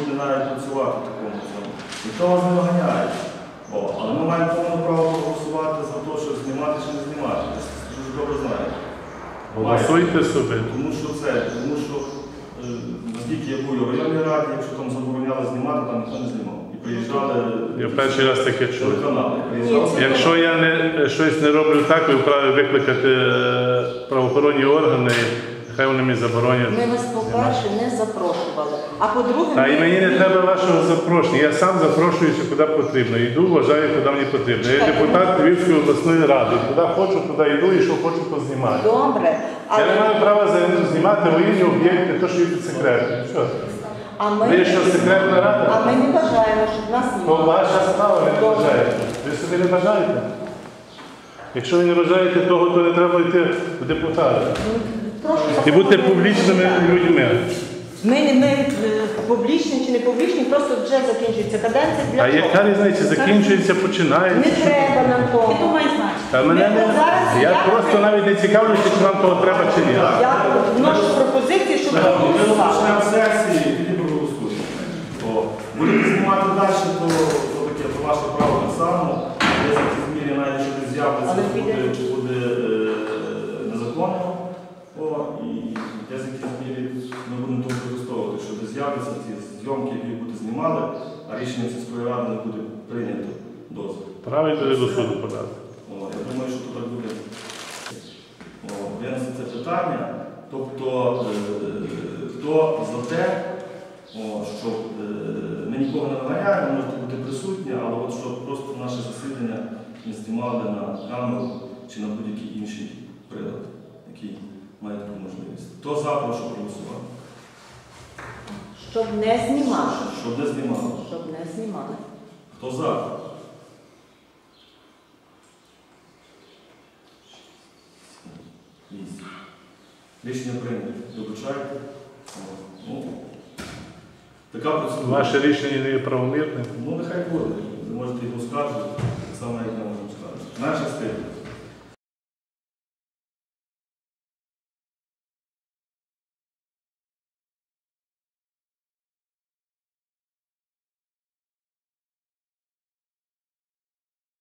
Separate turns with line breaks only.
не навіть працювати в такому цьому. Ніхто вас не виганяє. Але ми маємо повне право проголосувати за те, що знімати чи не знімати. Ви дуже добре знаєте.
Голосуйте собі.
Тому що наскільки я був в районній раді, якщо там забороняли знімати, там ніхто не знімав. І приїжджали
Я перший раз таке чув.
телеканали.
Якщо я щось не роблю так, ви вправі викликати правоохоронні органи, нехай вони мені заборонять.
Ми вас, по-перше, не запрошували. А по-друге,
Та і мені не треба вашого запрошення. Я сам запрошуюся, куди потрібно. Йду, вважаю, куди мені потрібно. Я депутат Львівської обласної ради. Куди хочу, туди йду і що хочу, то знімаю.
добре.
Я не маю права знімати воєнні об'єкти, то, що є під секретом. Що? Ви що, секретна рада?
А ми не бажаємо, щоб нас
То
знімали.
ваша справа, ви не бажаєте. Ви собі не бажаєте? Якщо ви не бажаєте того, то не треба йти в депутати. І бути публічними людьми.
Ми публічні чи не публічні, просто вже закінчується каденція. Для
А яка різниця? Закінчується, починається.
Не треба нам того.
Ти думай, значить.
Та мене не... Я просто навіть не цікавлюся, чи вам того треба, чи ні.
Я вношу пропозиції, щоб
Ми
проголосували.
почнемо сесії, тоді проголосуємо. Будете знімати далі, то таке, то ваше право так само. Десь ці зміни, навіть якщо десь з'являться, буде незаконно. І десь якісь зміни ми будемо тому використовувати, що десь з'являться ці зйомки, які будете знімали, а рішенням сільської ради не буде прийнято дозвіл.
Правильно до суду подати.
Я думаю, що тут так буде. Винесе це питання. Тобто, хто за те, щоб ми нікого не наганяємо, можете бути присутні, але от щоб просто наше засідання не знімали на камеру чи на будь-який інший прилад, який має таку можливість. Хто за, прошу проголосувати.
Щоб не знімали.
Щоб не знімали.
Щоб не знімали.
Хто за? Рішення прийнято. Вибачайте. Така процедура.
Ваше рішення не є правомірним.
Нехай буде. Ви можете його оскаржувати, так само, як я можу оскаржити. Наша стиль.